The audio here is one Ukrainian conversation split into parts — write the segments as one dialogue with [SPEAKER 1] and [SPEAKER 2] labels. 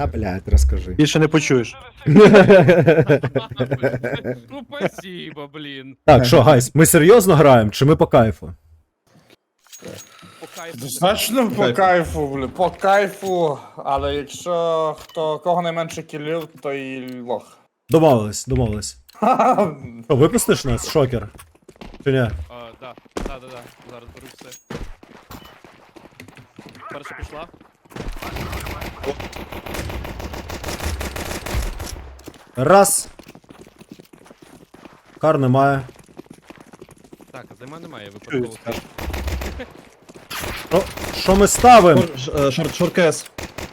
[SPEAKER 1] А, блядь, розкажи.
[SPEAKER 2] Більше не почуєш.
[SPEAKER 3] Ну, спасибо, блін.
[SPEAKER 1] Так, що, гайс, ми серйозно граємо, чи ми по кайфу?
[SPEAKER 3] По кайфу.
[SPEAKER 4] Достатньо по кайфу, блін, по кайфу, але якщо кого найменше кілів, то і лох.
[SPEAKER 1] Домовились, домовились. Що, випустиш нас, шокер? Чи ні?
[SPEAKER 3] Да. Зараз беру все. Перша пішла.
[SPEAKER 1] Раз. Кар немає.
[SPEAKER 3] Так, а займа немає, випадково.
[SPEAKER 1] Що ми ставимо?
[SPEAKER 2] Шоркес.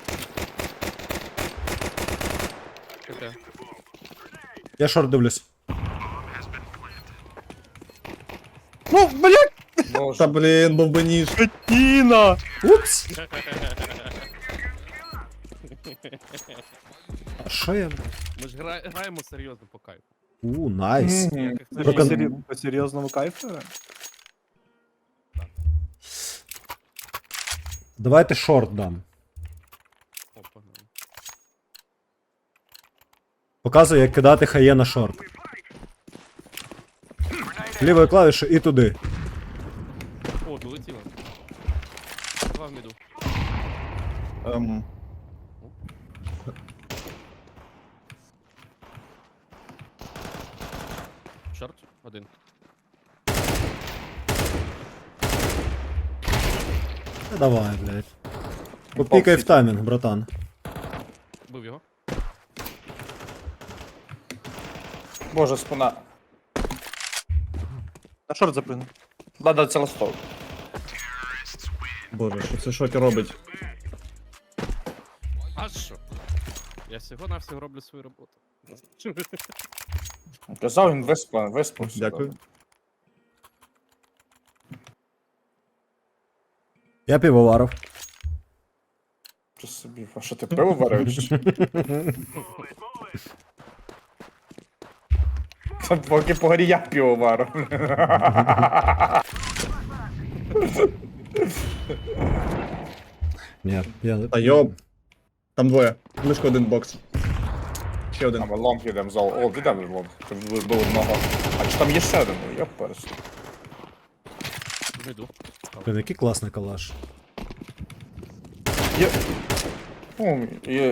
[SPEAKER 3] Таке.
[SPEAKER 1] Я шорт дивлюсь.
[SPEAKER 2] Ну, блядь!
[SPEAKER 4] Боже.
[SPEAKER 2] Та блін, був би ніж. Тіна!
[SPEAKER 1] Упс. А що я?
[SPEAKER 3] Ми ж граємо серйозно по кайфу.
[SPEAKER 1] Найс.
[SPEAKER 4] Мгм.
[SPEAKER 2] По серйозному кайфу?
[SPEAKER 1] Давайте шорт дам.
[SPEAKER 3] О, погнали.
[SPEAKER 1] Показую, як кидати хає на шорт. Лівою клавішою і туди.
[SPEAKER 3] О, долетіло. Два в міду. Шорт, один.
[SPEAKER 1] Та давай, блядь. Попікай в таймінг, братан.
[SPEAKER 3] Бив його.
[SPEAKER 4] Боже, спина.
[SPEAKER 2] На шорт запрыгну.
[SPEAKER 4] Да, це ластов.
[SPEAKER 2] Боже, що це шокер робить?
[SPEAKER 3] А що? Я всього-навсього роблю свою роботу.
[SPEAKER 4] Казав, він виспався.
[SPEAKER 2] Дякую.
[SPEAKER 1] Я півоваров.
[SPEAKER 4] Що собі, а що ти пиво варив? чи що? Та поки по горі я пиво варив.
[SPEAKER 1] Ні, я...
[SPEAKER 2] Та йоп. Там двоє. Близько один бокс. Ще один.
[SPEAKER 4] А ми лонг йдемо зал. О, підемо в лонг. Тут було одного. А чи там є ще один? Я перс.
[SPEAKER 3] В міду.
[SPEAKER 1] Блін, який класний калаш.
[SPEAKER 4] Є. О, є.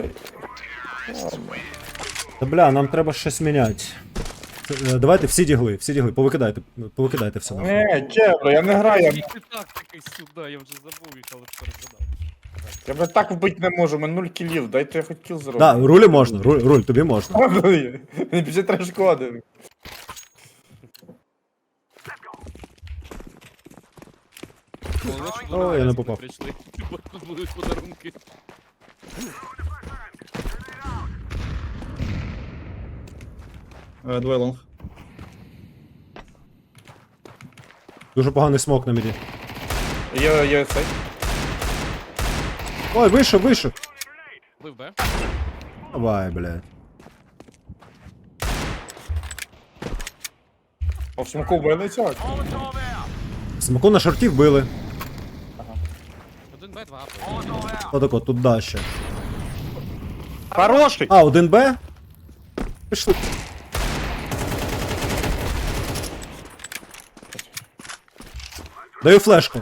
[SPEAKER 1] Та бля, нам треба щось міняти. Давайте всі дігли, повикидайте все нахуй.
[SPEAKER 4] Не, Кевло, я не граю.
[SPEAKER 3] Ти так такий сюди, я вже забув їх, але перезгадав.
[SPEAKER 4] Я б так вбити не можу, у мене 0 кілів, дайте я хоч кіл зроблю.
[SPEAKER 1] Да, рулі можна, руль, тобі можна.
[SPEAKER 4] Мені 53 шкоди.
[SPEAKER 1] Ой, я не попав.
[SPEAKER 3] Прийшли, бо тут будуть подарунки.
[SPEAKER 2] Двоє лонг.
[SPEAKER 1] Дуже поганий смок на міді.
[SPEAKER 4] Є цей.
[SPEAKER 1] Ой, вийшов.
[SPEAKER 3] Бив Б.
[SPEAKER 1] Давай, блядь.
[SPEAKER 4] По смоку вбили цього?
[SPEAKER 1] Смоку на шорті вбили.
[SPEAKER 3] Один Б, два А.
[SPEAKER 1] Отако, тут дальше.
[SPEAKER 2] Хороший!
[SPEAKER 1] А, 1Б? Пішли. Даю флешку.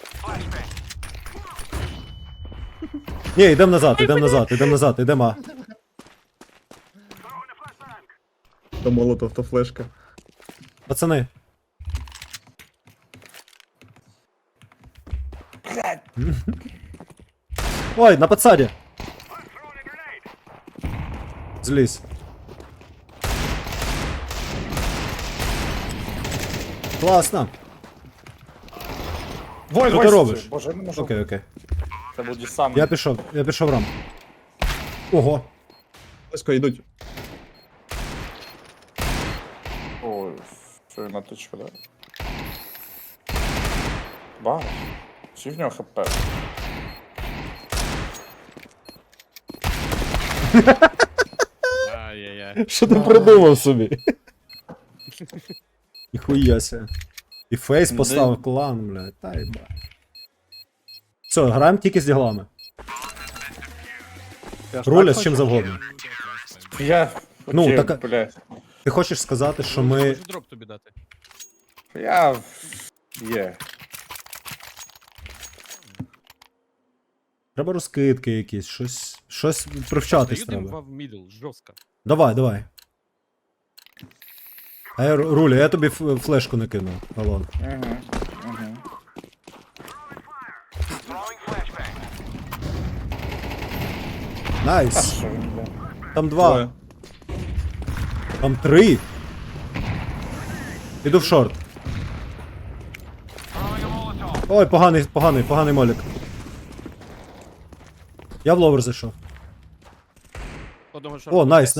[SPEAKER 1] Ні, йдемо назад, йдемо А.
[SPEAKER 2] То молотов, то флешка.
[SPEAKER 1] Пацани. Ой, на подсаді. Злізь. Класно.
[SPEAKER 4] Вой,
[SPEAKER 1] Що ти робиш?
[SPEAKER 4] Боже, я не можу.
[SPEAKER 1] Окей.
[SPEAKER 4] Це був десант.
[SPEAKER 1] Я пішов рам. Ого.
[SPEAKER 2] Близько йдуть.
[SPEAKER 4] Ой, що він на точку, да? Ба. Чи в нього хп?
[SPEAKER 3] Ай-яй-яй.
[SPEAKER 1] Що ти придумав собі? Ніхуяся. І фейс поставив клан, блядь. Та їба. Все, граємо тільки з діглами.
[SPEAKER 5] Я ж
[SPEAKER 1] Руля
[SPEAKER 5] так
[SPEAKER 1] з чим
[SPEAKER 5] хочу.
[SPEAKER 1] завгодно.
[SPEAKER 4] Я
[SPEAKER 1] Ну,
[SPEAKER 4] хотів,
[SPEAKER 1] так-
[SPEAKER 4] блядь.
[SPEAKER 1] Ти хочеш сказати, що ми.
[SPEAKER 3] Можу дроп тобі дати.
[SPEAKER 4] Я... Є.
[SPEAKER 1] Треба розкидки якісь, щось привчатись
[SPEAKER 3] Даю дим
[SPEAKER 1] треба.
[SPEAKER 3] в мідл, жорстко.
[SPEAKER 1] Давай. А я, Руля, я тобі флешку накину, Алон.
[SPEAKER 4] Угу. Угу.
[SPEAKER 1] Найс!
[SPEAKER 4] Що він, блядь?
[SPEAKER 1] Там два,
[SPEAKER 2] Двоє.
[SPEAKER 1] там три. Іду в шорт. Ой, поганий молік. Я в ловер зайшов.
[SPEAKER 3] Одного
[SPEAKER 1] О, найс.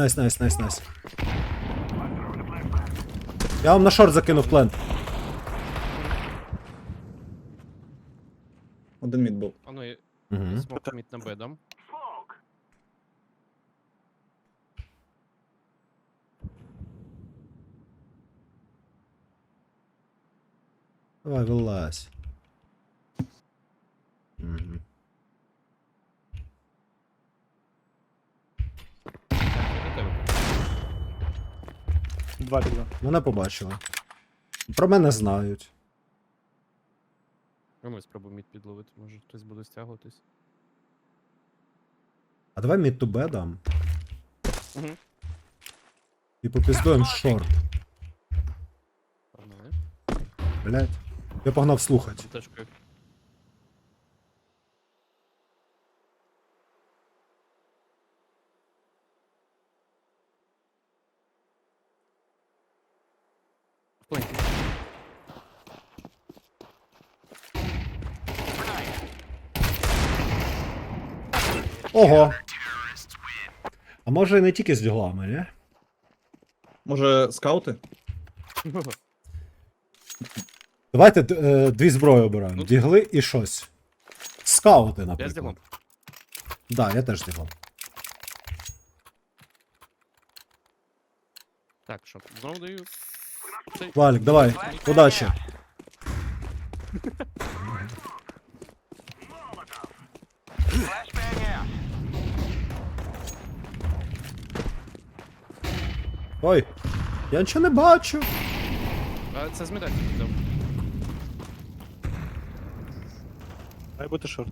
[SPEAKER 1] Я вам на шорт закинув плент.
[SPEAKER 2] Один мід був.
[SPEAKER 3] А ну, я
[SPEAKER 1] Угу.
[SPEAKER 3] смок мід на Б дам.
[SPEAKER 1] Давай, вилазь. Угу.
[SPEAKER 3] Так, я до тебе.
[SPEAKER 5] Два піде.
[SPEAKER 1] Мене побачили. Про мене знають.
[SPEAKER 3] А ну, я спробую мід підловити, може хтось буде стягуватись.
[SPEAKER 1] А давай мід ту Б дам.
[SPEAKER 3] Угу.
[SPEAKER 1] І попіздуємо шорт.
[SPEAKER 3] Погнали.
[SPEAKER 1] Блять. Я погнав слухати.
[SPEAKER 3] Тачкою. В пленті.
[SPEAKER 1] Ого. А може і не тільки з діглами, ні?
[SPEAKER 2] Може, скаути?
[SPEAKER 1] Давайте дві зброї обираємо.
[SPEAKER 3] Ну,
[SPEAKER 1] Дігли і щось. Скаути,
[SPEAKER 3] Я з
[SPEAKER 1] наприклад.
[SPEAKER 3] ділом.
[SPEAKER 1] Да, я теж з діглом.
[SPEAKER 3] Так, що, знову даю. Цей.
[SPEAKER 1] Валік, давай. Удачі. Ой, я нічого не бачу.
[SPEAKER 3] А, це змітати дав.
[SPEAKER 5] Має бути шорт.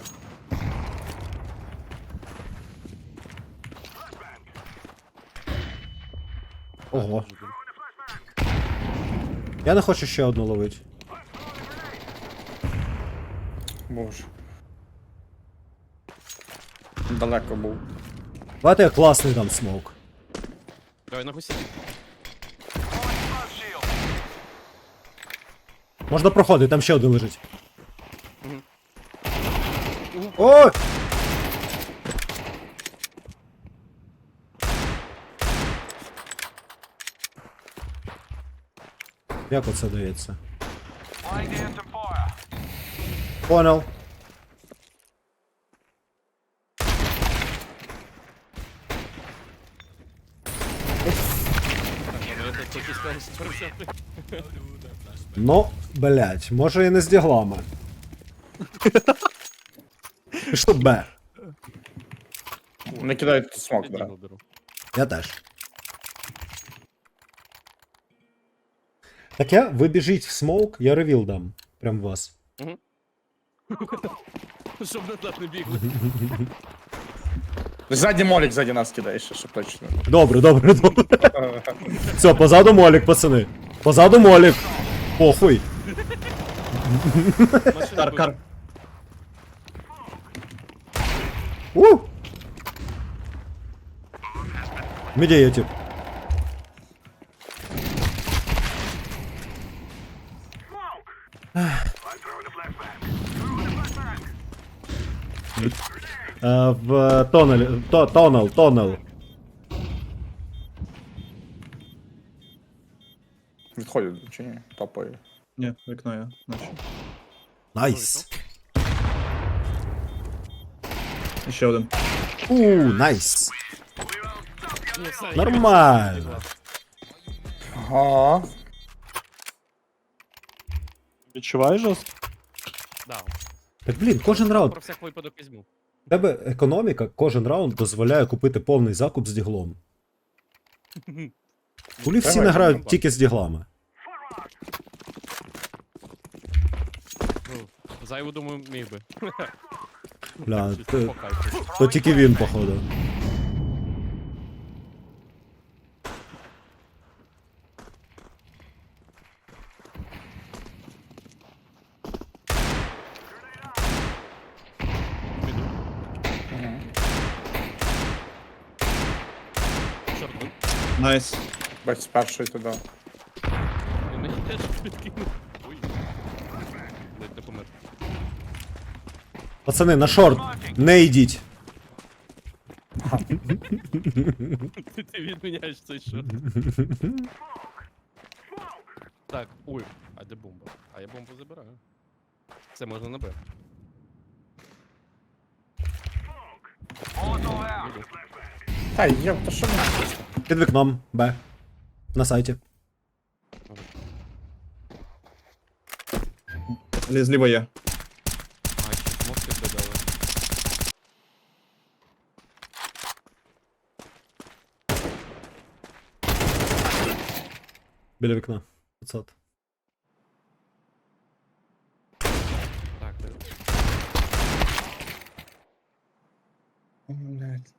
[SPEAKER 1] Ого. Я не хочу ще одну ловити.
[SPEAKER 4] Боже. Далеко був.
[SPEAKER 1] Давайте я класний дам смок.
[SPEAKER 3] Давай на гусі.
[SPEAKER 1] Можна проходити, там ще один лежить.
[SPEAKER 3] Мгм.
[SPEAKER 1] Ой! Як оце дається? Понял.
[SPEAKER 3] Я тут тільки сказав, що пересяти.
[SPEAKER 1] Ну, блять, може і не з діглами. Пішло Б.
[SPEAKER 4] Не кидай смок,
[SPEAKER 3] Я
[SPEAKER 4] да.
[SPEAKER 3] дігл беру.
[SPEAKER 1] Я теж. Так ви біжіть в смоук, я ревіл дам. Прям в вас.
[SPEAKER 3] Щоб не так не бігли.
[SPEAKER 4] Ззаді молік, ззаді нас кидає ще, щоб точно.
[SPEAKER 1] Добре. Все, позаду молік, пацани. Позаду молік. Похуй.
[SPEAKER 3] Машина
[SPEAKER 2] Кар.
[SPEAKER 1] У! Міді є тип. В тоннелі. Тоннел.
[SPEAKER 4] Відходять, чи ні? Топає.
[SPEAKER 2] Ні, вікно я. Наче.
[SPEAKER 1] Найс.
[SPEAKER 2] І ще один.
[SPEAKER 1] Найс.
[SPEAKER 3] Ні, все,
[SPEAKER 1] Нормально.
[SPEAKER 4] Ага.
[SPEAKER 5] Відчуваєш жорстко?
[SPEAKER 3] Да.
[SPEAKER 1] Так блін, кожен раунд.
[SPEAKER 3] Про всяк випадок візьму.
[SPEAKER 1] В тебе економіка кожен раунд дозволяє купити повний закуп з діглом. Кулі всі
[SPEAKER 4] Давай,
[SPEAKER 1] не грають
[SPEAKER 4] давай.
[SPEAKER 1] тільки з діглами.
[SPEAKER 3] Ну, зайву, думаю, міг би.
[SPEAKER 1] Бля,
[SPEAKER 3] Чисто по кайфу.
[SPEAKER 1] то тільки він, походу.
[SPEAKER 3] Піду. Чорт, ну,
[SPEAKER 2] Найс.
[SPEAKER 4] Бач, з першої туди.
[SPEAKER 3] він мені теж підкинув. Ой. Ледь не помер.
[SPEAKER 1] Пацани, на шорт, не йдіть.
[SPEAKER 3] Ти відміняєш цей шот. Так, ой, а де бомба? А я бомбу забираю. Це можна на Б. Іду.
[SPEAKER 4] Та є, то що ми?
[SPEAKER 1] Під вікном, Б. На сайті.
[SPEAKER 2] Зліва є.
[SPEAKER 3] А, ще смоки додали.
[SPEAKER 1] Біля вікна. 500.
[SPEAKER 3] Так,
[SPEAKER 4] О, блядь.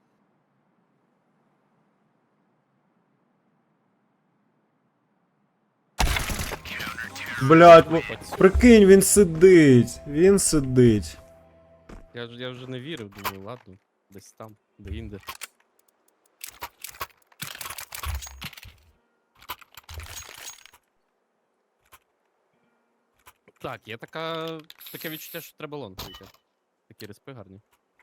[SPEAKER 1] Блять, прикинь, він сидить. Він сидить.
[SPEAKER 3] я вже не вірив, думаю, ладно, десь там, де інде. Так, є таке відчуття, що треба лонг вийти. Такі респи гарні.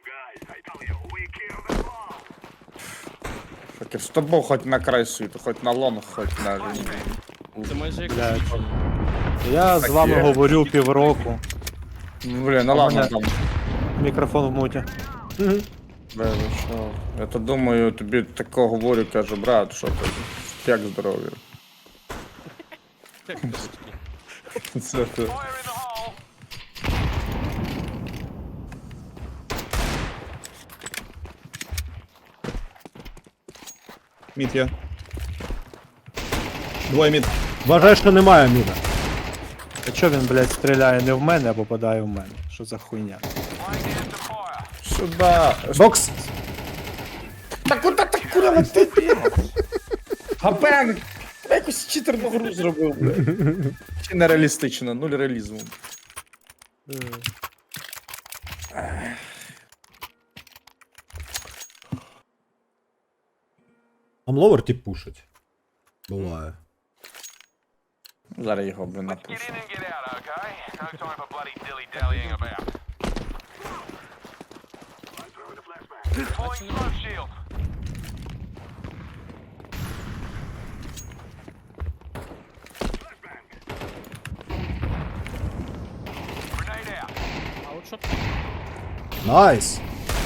[SPEAKER 4] Таке, з тобою хоч на край світу, хоч на лонг, хоч на...
[SPEAKER 3] Це майже як
[SPEAKER 5] Блядь.
[SPEAKER 3] відчуття.
[SPEAKER 5] Я з вами
[SPEAKER 4] Таке.
[SPEAKER 5] говорю півроку.
[SPEAKER 4] Блін, ну ладно
[SPEAKER 5] мене-
[SPEAKER 4] там.
[SPEAKER 5] Мікрофон в муті.
[SPEAKER 1] Мгм.
[SPEAKER 4] Бля, що? Я то думаю, тобі тако говорю, кажу, брат, що ти? Як здоров'я?
[SPEAKER 3] Як кабачки.
[SPEAKER 4] Це ти.
[SPEAKER 2] Мід є. Двоє мід.
[SPEAKER 1] Вважаю, що немає міда.
[SPEAKER 5] А чо він, блядь, стріляє не в мене, а попадає в мене? Що за хуйня?
[SPEAKER 4] Сюда.
[SPEAKER 1] Бокс!
[SPEAKER 4] Та куди так куди летить? Гапен! Я якусь читерну гру зробив, бля. Чи нереалістично, нуль реалізму.
[SPEAKER 1] Амловер тип пушить. Буває.
[SPEAKER 4] Зараз його, блін, напушу.
[SPEAKER 6] Get in and get out, okay? No time for bloody dilly-dallying about. Deploying smoke shield. Grenade out.
[SPEAKER 3] А от що
[SPEAKER 1] Найс!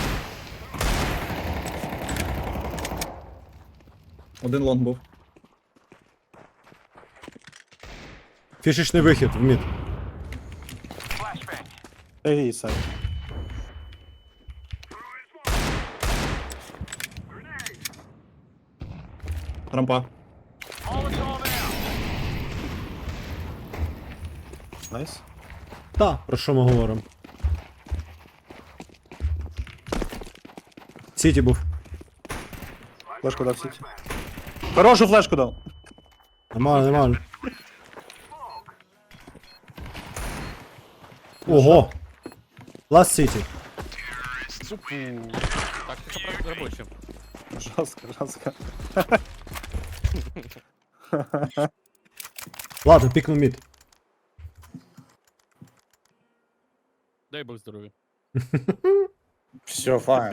[SPEAKER 2] Один лонг був.
[SPEAKER 1] Фішечний вихід в мід.
[SPEAKER 6] Flashbang.
[SPEAKER 5] Ей, Сай.
[SPEAKER 2] Рампа.
[SPEAKER 6] Molotov out.
[SPEAKER 5] Найс.
[SPEAKER 1] Та, про що ми говоримо? Сіті був.
[SPEAKER 5] Флешку дав сіті. Хорошу флешку дав.
[SPEAKER 1] Нормально, нормально. Ого! Last City.
[SPEAKER 3] тактика робоча.
[SPEAKER 5] Жорстко, жорстко.
[SPEAKER 1] Ладно, пікнув мід.
[SPEAKER 3] Дай Бог здоров'я.
[SPEAKER 4] Все, файно.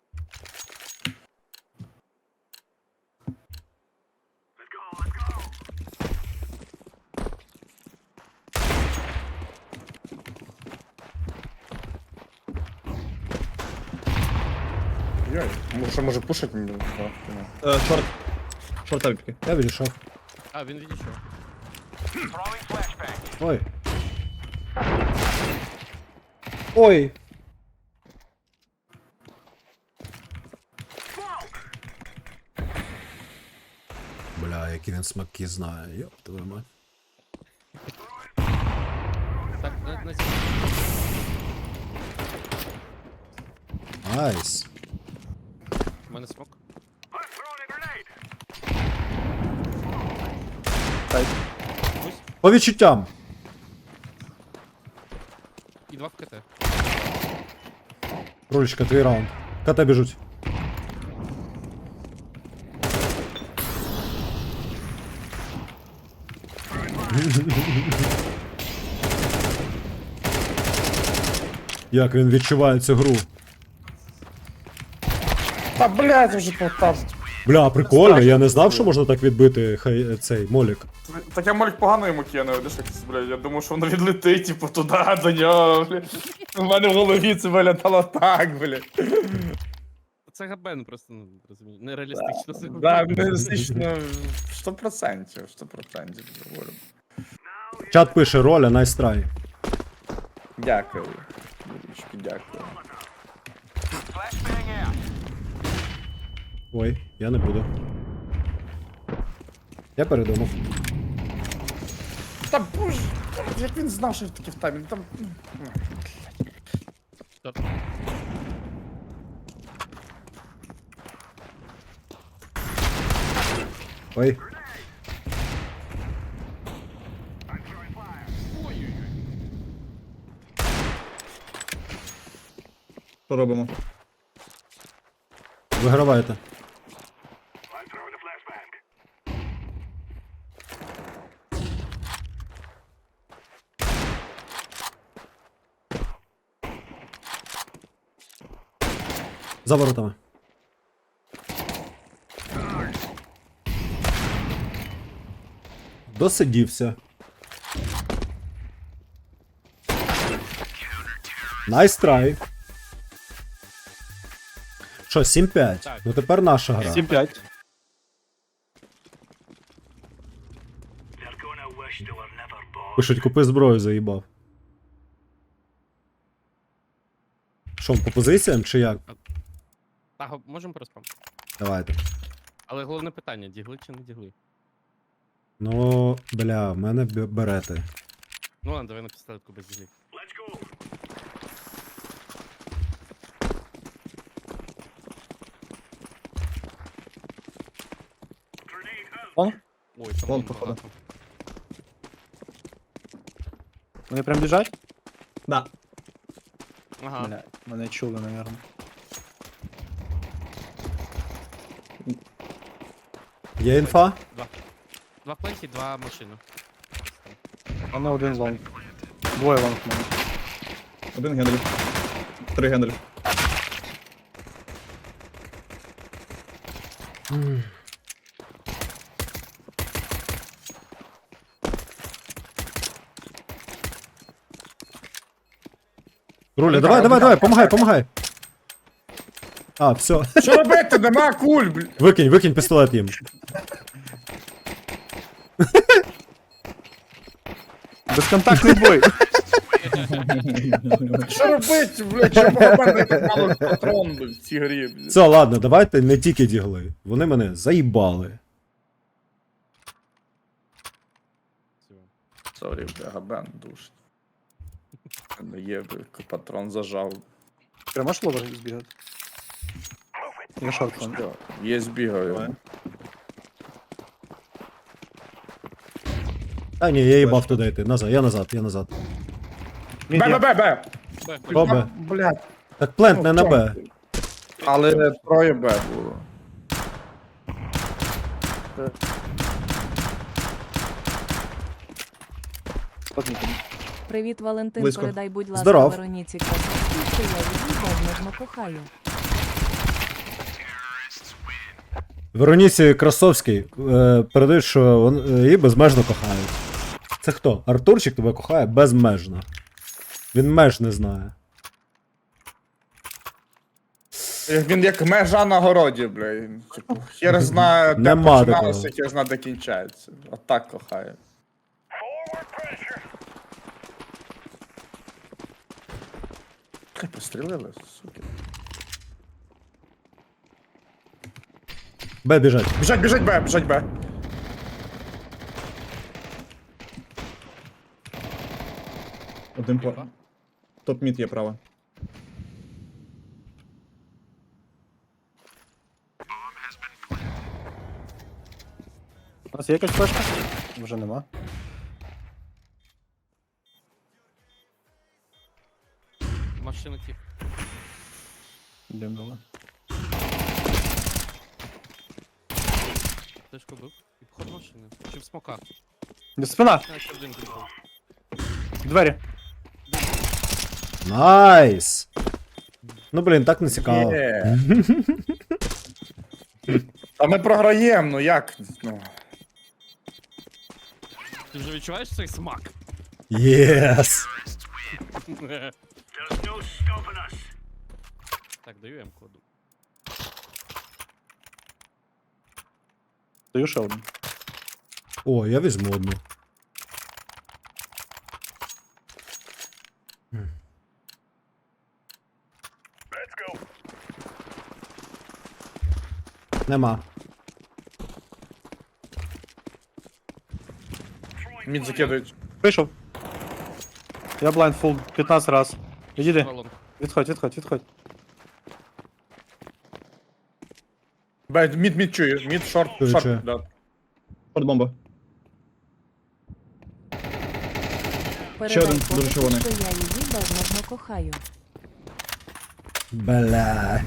[SPEAKER 4] Йой, може пушить мені?
[SPEAKER 2] Шорт. Шорт тапки.
[SPEAKER 1] Я відійшов.
[SPEAKER 3] А, він відійшов.
[SPEAKER 6] Throwing flashbang.
[SPEAKER 1] Ой. Ой. Бля, які він смаки знає, йоп твою мать.
[SPEAKER 3] Так, на
[SPEAKER 1] Найс.
[SPEAKER 3] У мене смок.
[SPEAKER 1] По відчуттям.
[SPEAKER 3] І 2 в КТ.
[SPEAKER 1] Рулечка, твій раунд. КТ біжуть. Як він відчуває цю гру.
[SPEAKER 4] Та блядь, вже потап.
[SPEAKER 1] Бля, прикольно, я не знав, що можна так відбити цей молік.
[SPEAKER 4] Так я молік погано йому кинув, десь якось, блядь, я думав, що воно відлетить, типу, туди, до нього, блядь. У мене в голові це виглядало так, блядь.
[SPEAKER 3] Це габен просто, ну, розумію, нереалістично. це
[SPEAKER 4] Да,
[SPEAKER 3] габен.
[SPEAKER 4] реалістично, 100%, говорю.
[SPEAKER 1] Чат пише роля, найстрай.
[SPEAKER 4] Дякую. Юрічки, дякую.
[SPEAKER 6] Flashbang out.
[SPEAKER 1] Ой, я не буду. Я передумав.
[SPEAKER 4] Та боже, як він знав, що таке в таймінг, там...
[SPEAKER 3] Торт.
[SPEAKER 1] Ой.
[SPEAKER 2] Що робимо?
[SPEAKER 1] Виграваєте. За воротами. Досидівся. Найс трай. Що, 7-5?
[SPEAKER 3] Так.
[SPEAKER 1] Ну тепер наша гра.
[SPEAKER 5] 7-5.
[SPEAKER 1] Пишуть, купи зброю, заїбав. Що, по позиціям чи як?
[SPEAKER 3] Так, можемо проспам.
[SPEAKER 1] Давайте.
[SPEAKER 3] Але головне питання, дігли чи не дігли?
[SPEAKER 1] Ну, бля, в мене берети.
[SPEAKER 3] Ну ладно, давай на пістолетку без діглів.
[SPEAKER 5] Он?
[SPEAKER 3] Ой, там
[SPEAKER 2] Вон,
[SPEAKER 3] вон
[SPEAKER 2] походу.
[SPEAKER 3] багато.
[SPEAKER 5] Вони прям біжать?
[SPEAKER 2] Да.
[SPEAKER 3] Ага.
[SPEAKER 5] Бля, мене чули, наверное.
[SPEAKER 1] Є інфа?
[SPEAKER 3] Два пленті, 2 машини.
[SPEAKER 5] Вони один лонг. Двоє лонг в мене.
[SPEAKER 2] Один генрі. 3 генрі.
[SPEAKER 1] Руля, давай, помагай. А, все.
[SPEAKER 4] Що робити? Нема куль, блядь.
[SPEAKER 1] Викинь пістолет їм.
[SPEAKER 5] Безконтактний бой.
[SPEAKER 4] Що робити, блядь? Чому в мене так мало патрон, блядь, в цій грі, блядь?
[SPEAKER 1] Все, ладно, давайте не тільки дігли. Вони мене заїбали.
[SPEAKER 3] Всього.
[SPEAKER 4] Сорі, бля, габен душить. Не є, блядь, патрон зажав.
[SPEAKER 5] Прямо ж ловер збігати. Я шорт.
[SPEAKER 4] Є збігаю.
[SPEAKER 1] А ні, я їбав туди йти. Назад, я назад.
[SPEAKER 4] Бе.
[SPEAKER 3] Бе,
[SPEAKER 1] Бобе.
[SPEAKER 4] Блядь.
[SPEAKER 1] Так плент не на Б.
[SPEAKER 4] Але троє Б було.
[SPEAKER 7] Привіт, Валентин.
[SPEAKER 2] Близько.
[SPEAKER 7] Передай, будь ласка,
[SPEAKER 1] Здоров.
[SPEAKER 7] Вероніці Красовській, що я її безмежно кохаю.
[SPEAKER 1] Вероніці Красовській передають, що її безмежно кохають. Це хто? Артурчик тебе кохає безмежно. Він меж не знає.
[SPEAKER 4] Він як межа на городі, блядь. Типу, хер знає, де
[SPEAKER 1] Нема
[SPEAKER 4] починалося,
[SPEAKER 1] такого.
[SPEAKER 4] хер знає, де кінчається. Отак кохає. Хай пострілили, суки.
[SPEAKER 1] Б біжать.
[SPEAKER 4] Біжать, Б.
[SPEAKER 2] Один по...
[SPEAKER 3] Піпа.
[SPEAKER 2] Топ-мід є право.
[SPEAKER 5] У нас є якась флешка? Вже нема.
[SPEAKER 3] Машина тип.
[SPEAKER 5] Димнула.
[SPEAKER 3] Тишку бив. І вход машини. Чи в смока.
[SPEAKER 5] Спина!
[SPEAKER 3] Наче один прийшов.
[SPEAKER 5] Двері.
[SPEAKER 1] Найс! Ну блін, так не цікаво.
[SPEAKER 4] Є. Та ми програємо, ну як? Ну.
[SPEAKER 3] Ти вже відчуваєш цей смак?
[SPEAKER 1] Єс!
[SPEAKER 3] Так, даю М кладу.
[SPEAKER 5] Даю ще один.
[SPEAKER 1] О, я візьму одну. Нема.
[SPEAKER 4] Мід закидують.
[SPEAKER 5] Вийшов. Я блайнд фул 15 раз. Відійди.
[SPEAKER 3] Балон.
[SPEAKER 5] Відходь.
[SPEAKER 4] Бать, мід чую. Мід, шорт,
[SPEAKER 1] Чую.
[SPEAKER 4] шорт. Да.
[SPEAKER 2] Форт-бомба.
[SPEAKER 7] Передай
[SPEAKER 2] один,
[SPEAKER 7] фото,
[SPEAKER 2] дуже червоний.
[SPEAKER 7] що я її безмежно кохаю.
[SPEAKER 1] Бля.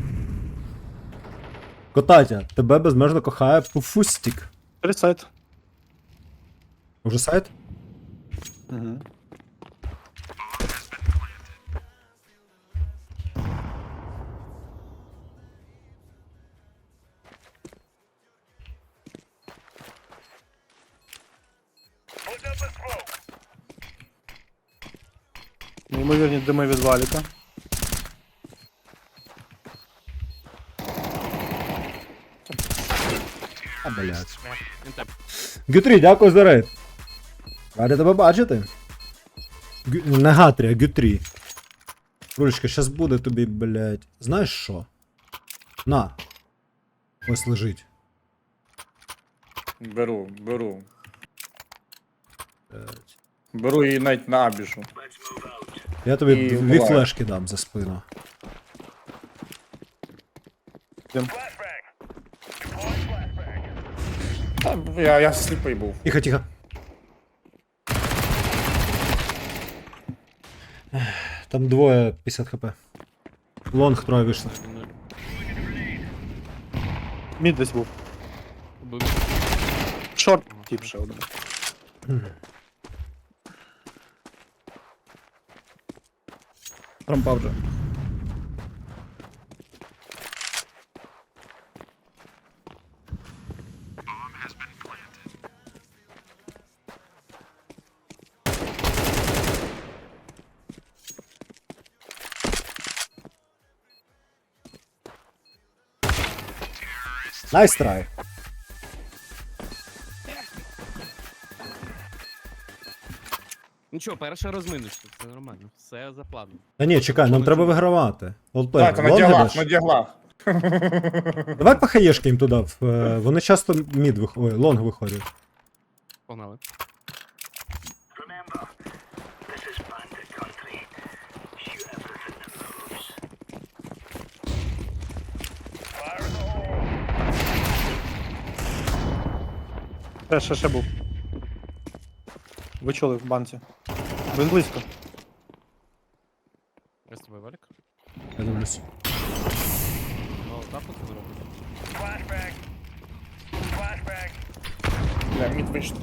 [SPEAKER 1] Котатя, тебе безмежно кохає Пуфустік.
[SPEAKER 5] Перед сайт.
[SPEAKER 1] Уже сайт?
[SPEAKER 5] Угу. Неймовірні дими від валіка.
[SPEAKER 1] А, блядь.
[SPEAKER 3] Він теп.
[SPEAKER 1] Гютрі, дякую за рейд. Ради тебе бачити. Не Гатрі, а Гютрі. Рулечка, щас буде тобі, блядь. Знаєш що? На. Ось лежить.
[SPEAKER 4] Беру.
[SPEAKER 1] Блядь.
[SPEAKER 4] Беру її навіть на абішу.
[SPEAKER 1] Я тобі
[SPEAKER 4] І
[SPEAKER 1] дві
[SPEAKER 4] вбиваю.
[SPEAKER 1] флешки дам за спину.
[SPEAKER 4] Та, я сліпий був.
[SPEAKER 1] Тихо, тихо. Там двоє 50 хп. Лонг троє вийшло.
[SPEAKER 5] Мід десь був.
[SPEAKER 3] Убив.
[SPEAKER 5] Шорт. Тіп ще один.
[SPEAKER 2] Трампа вже.
[SPEAKER 1] Найс трай.
[SPEAKER 3] Нічого, перша розминочка, все нормально. Все за планом.
[SPEAKER 1] Та ні, чекай, нам треба вигравати. Олдплей,
[SPEAKER 4] Так, на діглах, на діглах.
[SPEAKER 1] Давай по хаєшки їм туди. Вони часто мід виходять, лонг виходять.
[SPEAKER 3] Погнали.
[SPEAKER 5] Ще був. Ви чули в банці. Він близько.
[SPEAKER 3] Я з тобою, Валік.
[SPEAKER 1] Я дивлюсь.
[SPEAKER 3] Ну, так от зробити.
[SPEAKER 4] Бля, мід вийшло.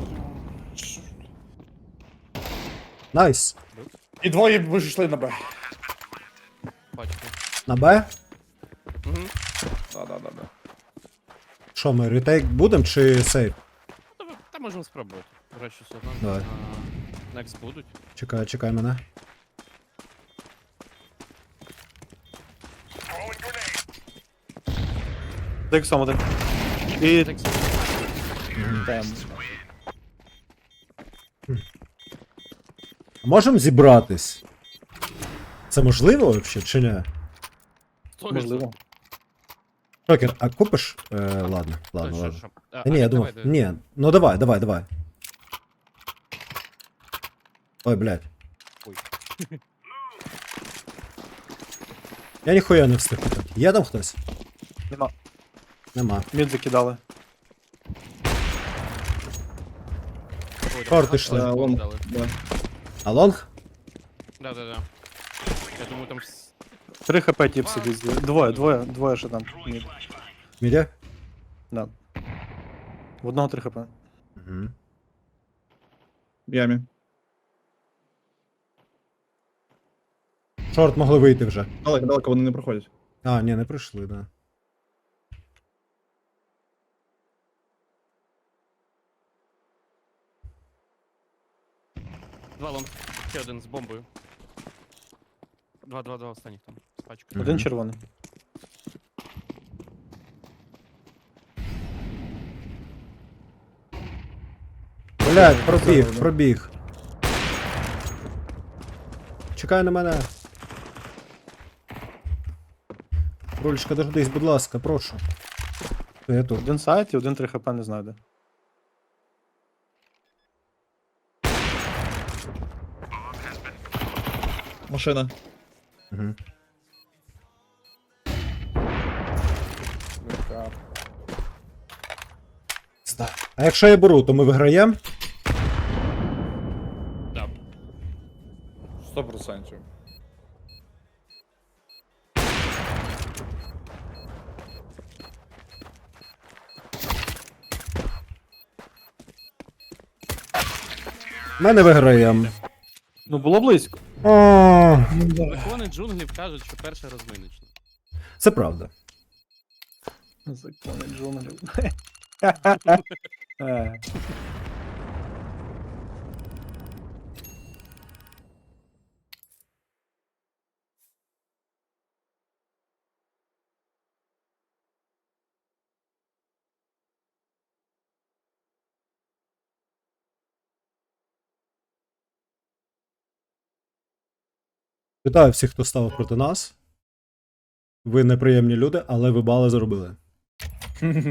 [SPEAKER 1] Найс.
[SPEAKER 4] І двоє вийшли на Б.
[SPEAKER 3] Бачите.
[SPEAKER 1] На Б?
[SPEAKER 3] Угу.
[SPEAKER 4] Да.
[SPEAKER 1] Що, ми ретейк будем чи сейв?
[SPEAKER 3] Та можемо спробувати. До речі, все одно.
[SPEAKER 1] Давай.
[SPEAKER 3] Next будуть.
[SPEAKER 1] Чекай мене.
[SPEAKER 5] Дексом один. І
[SPEAKER 3] Next.
[SPEAKER 1] Можемо зібратись? Це можливо взагалі чи ні?
[SPEAKER 5] можливо.
[SPEAKER 1] Шокер, а купиш? Ладно.
[SPEAKER 3] Що?
[SPEAKER 1] Та ні, я думав. Ні, ну давай. Ой, блядь.
[SPEAKER 3] Ой.
[SPEAKER 1] Я ніхуя не встиг питати. Є там хтось?
[SPEAKER 5] Нема.
[SPEAKER 1] Нема.
[SPEAKER 5] Мід закидали.
[SPEAKER 3] Ой,
[SPEAKER 1] Шорти
[SPEAKER 3] там
[SPEAKER 1] йшли.
[SPEAKER 3] багато
[SPEAKER 2] Лонг.
[SPEAKER 3] дали.
[SPEAKER 2] Да.
[SPEAKER 1] А лонг?
[SPEAKER 3] Да. Я думаю, там
[SPEAKER 5] 3 хп тіп сидить. Двоє ще там. Мід.
[SPEAKER 1] Мідя?
[SPEAKER 5] Да. В одного 3 хп.
[SPEAKER 1] Угу.
[SPEAKER 2] В ямі.
[SPEAKER 1] Шорт могли вийти вже.
[SPEAKER 2] Далеко вони не проходять.
[SPEAKER 1] А, ні, не прийшли, да.
[SPEAKER 3] два лонг. Ще один з бомбою. Два останніх там. З пачкою.
[SPEAKER 5] Один
[SPEAKER 1] Мгм.
[SPEAKER 5] червоний.
[SPEAKER 1] Блядь, пробіг. Чекай на мене. Рулечка, дождись, будь ласка, прошу. Я тут.
[SPEAKER 5] Один сайт і один 3 хп, не знаю де.
[SPEAKER 2] Машина.
[SPEAKER 1] Угу. А якщо я беру, то ми виграємо?
[SPEAKER 3] Да.
[SPEAKER 4] 100%.
[SPEAKER 1] Ми не виграємо.
[SPEAKER 5] Ну було близько.
[SPEAKER 1] О,
[SPEAKER 3] Закони джунглів кажуть, що перше розминочне.
[SPEAKER 1] це правда.
[SPEAKER 5] Закони джунглів. Е.
[SPEAKER 1] Вітаю всіх, хто став проти нас. Ви неприємні люди, але ви бали зробили.